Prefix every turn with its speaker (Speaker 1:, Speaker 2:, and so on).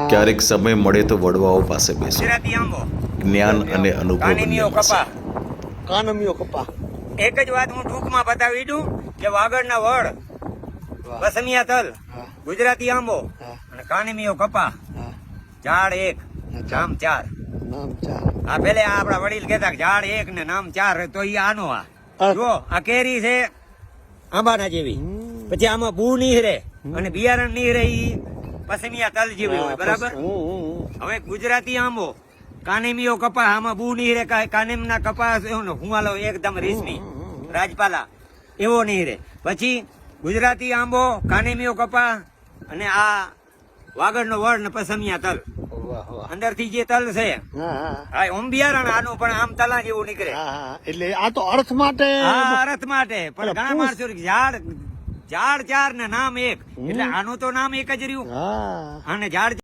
Speaker 1: ક્યારેક સમય મળે તો વડવાઓ પાસે બેસો.
Speaker 2: ગુજરાતી આંબો,
Speaker 1: જ્ઞાન અને અનુભવ
Speaker 2: કાનીમીઓ
Speaker 1: બંને મળશે.
Speaker 2: કપા.
Speaker 3: કાનમીઓ કપા.
Speaker 2: એક જ વાત હું ટૂંકમાં બતાવી દઉં કે વાગડના વડ,
Speaker 3: વાહ.
Speaker 2: પસમિયા તલ,
Speaker 3: હા.
Speaker 2: ગુજરાતી આંબો
Speaker 3: હા.
Speaker 2: અને કાનીમીઓ કપા.
Speaker 3: હા.
Speaker 2: ઝાડ એક, નામ ચાર.
Speaker 3: નામ ચાર.
Speaker 2: આ પેલે આપડા વડીલ કહેતા કે ઝાડ એક ને નામ ચાર, તો ઈ આનો આ જો આ કેરી છે આંબાના જેવી, પછી આમાં બુ નીહરે અને બિયારણ નીહરે, ઈ પસમિયા તલ જેવી હોય, બરાબર. હવે ગુજરાતી આંબો, કાનીમીઓ કપા, આમાં બુ નીહરે, કાનીમના કપા હુંવાલો એકદમ રેશમી રાજપાલા એવો નીહરે. પછી ગુજરાતી આંબો, કાનીમીઓ કપા અને આ વાગડનો વડ ને પસમિયા તલ.
Speaker 3: વાહ વાહ.
Speaker 2: અંદરથી જે તલ છે
Speaker 3: હા
Speaker 2: હા ઓમ બિયારણ આનું પણ આમ તલા જેવું નીકળે.
Speaker 3: હા. એટલે આ તો અર્થ માટે.
Speaker 2: હા અર્થ માટે, પણ ઘણા માણસો ઝાડ ઝાડ ચાર ને નામ એક, એટલે આનું તો નામ એક જ રહ્યું.
Speaker 3: હા.
Speaker 2: અને ઝાડ